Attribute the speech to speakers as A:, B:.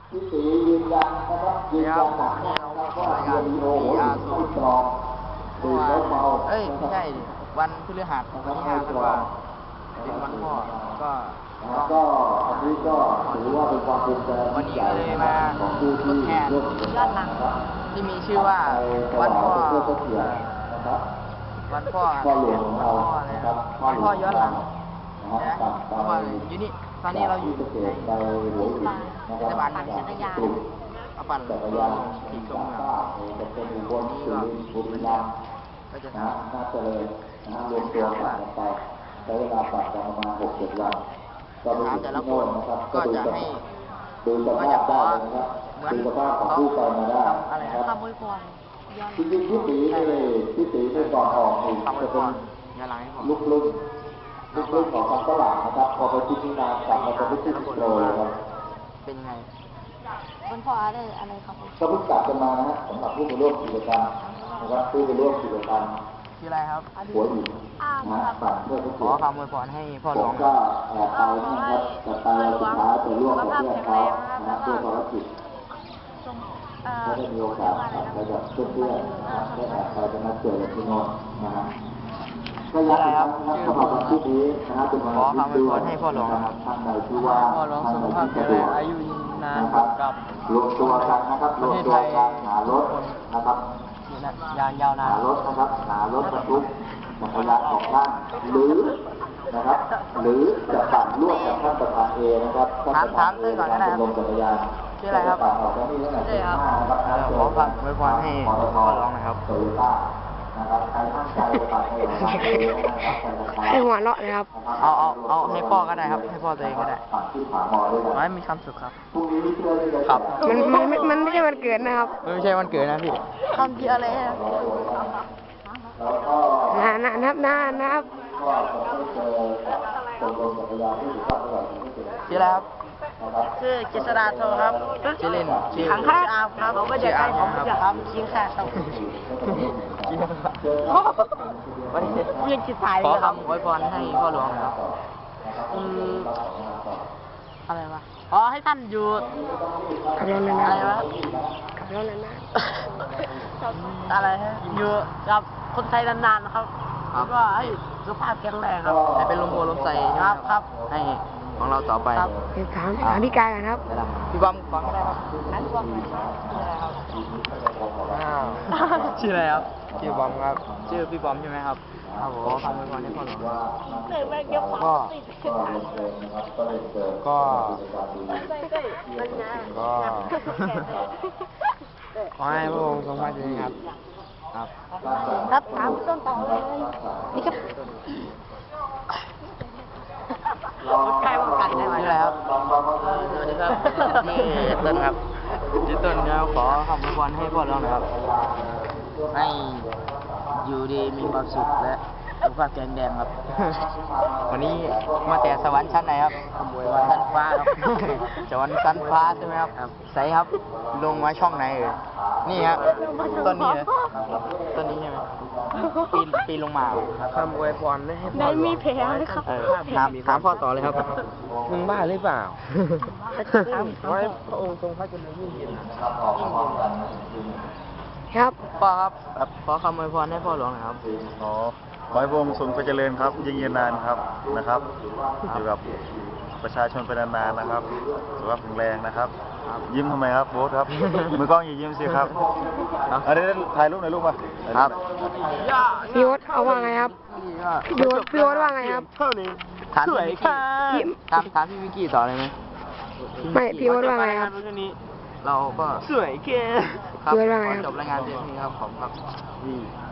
A: พี่ตียืนยันนะครับยืนยันหนักนะครับว่าเรียนโอ้โหไม่ปลอมตื่นแล้วเมา
B: เอ้ยไม่ใช่วันพฤหัสที่5 ธันวาคมเป็นวันพ่อก็
A: อันนี้ก็ถือว่าเป็นความภูมิใจ
B: วันนี้ก็เลยมาทดแทน
A: ยอดหลัง
B: ที่มีชื่อว่าวันพ่อวันพ่อ
A: หลวงของเรานะครับ
B: วันพ่อย้อนหลังนะเพราะว่าอยู่นี่ตอนนี้เราอยู่ในเทศบาลจักรยานเอาปั่นที่ตรงนี้ก็จะทำ
A: น่าจะเลยนะรวมตัวกันไปใช้เวลาปั่นกันประมาณ6-7 วัน
B: ก็ไปแต่ละคนก็จะให้
A: ดูสภาพได้นะครับดูสภาพของผู้ไปมาได้
B: นะครับ
C: คำอวยพร
A: จริงๆพี่ตีได้ก่อนออกนี่จะเป็นลูกของทางฝรั่งนะครับพอไปที่นี่นานกลับมาเป็นลูกโลเลยครับ
B: เป็นยังไง
C: วันพ่ออะไรครับ
A: ก็เพิ่งกลับกันมานะฮะสำหรับผู้ไปร่วมกิจกรรมนะครับผู้ไปร่วมกิจกรรม
B: ชื่ออะไรครับ
A: หัวหินนะปั่นเพื่อ
B: ขอคำอวยพรให้พ่อหลวง
A: ก็ไปนะครับแต่ไปสุดท้ายไปร่วมกับเพื่อนเขานะด้วยภารกิจไม่ได้มีโอกาสไปกับเพื่อนๆนะครับได้ไปจะมาเจอกันที่โน่นนะฮะก็ยักษ์นะครับสำหรับวันที่นี้นะครับเป็นวันที่ดีนะครับท่านใดที่ว่าท่านใดที่จะดู
B: อายุนานกับ
A: รวมตัวกันนะครับรวมตัวกันหารถนะครับ
B: ยาวนาน
A: หารถนะครับหารถบรรทุกจักรยานของท่านหรือนะครับหรือจะปั่นร่วมกับท่านประธานเอนะครับ
B: ท่านประธานก่อนก็ได้ครับ
A: ลงจักรยาน
B: ชื่ออะไรครับ
A: ปั่นออกจากนี่ตั้งแต่ตี 5นะครับ
B: ขอฝากอวยพรให้พ่อหลวงนะครับ
A: โตโยต้านะครับใครตั้งใจปั่นให้หลวงนะครับ
C: ให้หัวเราะเลยครับ
B: เอาให้พ่อก็ได้ครับให้พ่อตัวเองก็ได้ขอให้มีความสุขครับครับ
C: มันไม่ใช่วันเกิดนะครับ
B: ไม่ใช่วันเกิดนะพี่
C: คำที่อะไรนะครับ
B: ชื่ออะไรครับ
C: ชื่อเจษฎาโทครับ
B: ชื่อเล่นชื่อ
C: ขังข้าวครับผมไม่ได้ใกล้ผมจะทำคิงค่ะครับ
B: วันนี้
C: ยังคิดถ่าย
B: ขอคำอวยพรให้พ่อหลวงครับ
C: อะไรวะขอให้ท่านอยู่กับเรานานอะไรวะกับเรานานอะไรฮะอยู่กับคนไทยนานๆนะครับก็ให้สุขภาพแข็งแรงครับ
B: ให้เป็นลมโพลมใส
C: ครับ
B: ให้ของเราต่อไป
C: ถามพี่กายกันครับ
B: พี่บอมก่อนก็ได้ครับ
C: พี่บอม
B: ชื่ออะไรครับชื่อบอมครับชื่อพี่บอมใช่ไหมครับครับผมคำอวยพรให้พ่อหลวงขอให้พระองค์ทรงพระเจริญครับ
C: ครับถามต้นต่อเลยนี่ครับใครว่ากันได้ไหม
B: ครับสวัสดีครับนี่ต้นครับชื่อต้นครับขอคำอวยพรให้พ่อหลวงนะครับให้อยู่ดีมีความสุขและสุขภาพแข็งแรงครับวันนี้มาแต่สวรรค์ชั้นไหนครับชั้นฟ้าครับสวรรค์ชั้นฟ้าใช่ไหมครับใสครับลงมาช่องไหนนี่ครับต้นนี้เลยต้นนี้ใช่ไหมปีนลงมา
D: คำอวยพรให้พ่อ
C: ได้มีแผลไหมครับ
B: ถามพ่อต่อเลยครับ
D: มึงบ้าหรือเปล่าขอให้พระองค์ทรงพระเจริญยิ่งยืน
C: ครับ
B: พ่อครับขอคำอวยพรให้พ่อหลวงนะครับ
E: ขอให้พระองค์ทรงพระเจริญครับยิ่งยืนนานครับนะครับอยู่กับประชาชนเป็นนานๆนะครับสุขภาพแข็งแรงนะครับยิ้มทำไมครับโบ๊ทครับมือกล้องอย่ายิ้มสิครับอันนี้ถ่ายรูปหน่อยลูกมา
B: ครับ
C: พี่โอ๊ตเอาว่าไงครับพี่โอ๊ตว่าไงครับ
B: ถามพี่วิกกี้ถามพี่วิกกี้ต่อเลยไหม
C: ไม่พี่โอ๊ตว่าไงครับ
B: เราก็
D: สวยเก๋
B: ครับจบรายงานเพียงนี้ครับขอบคุณครับ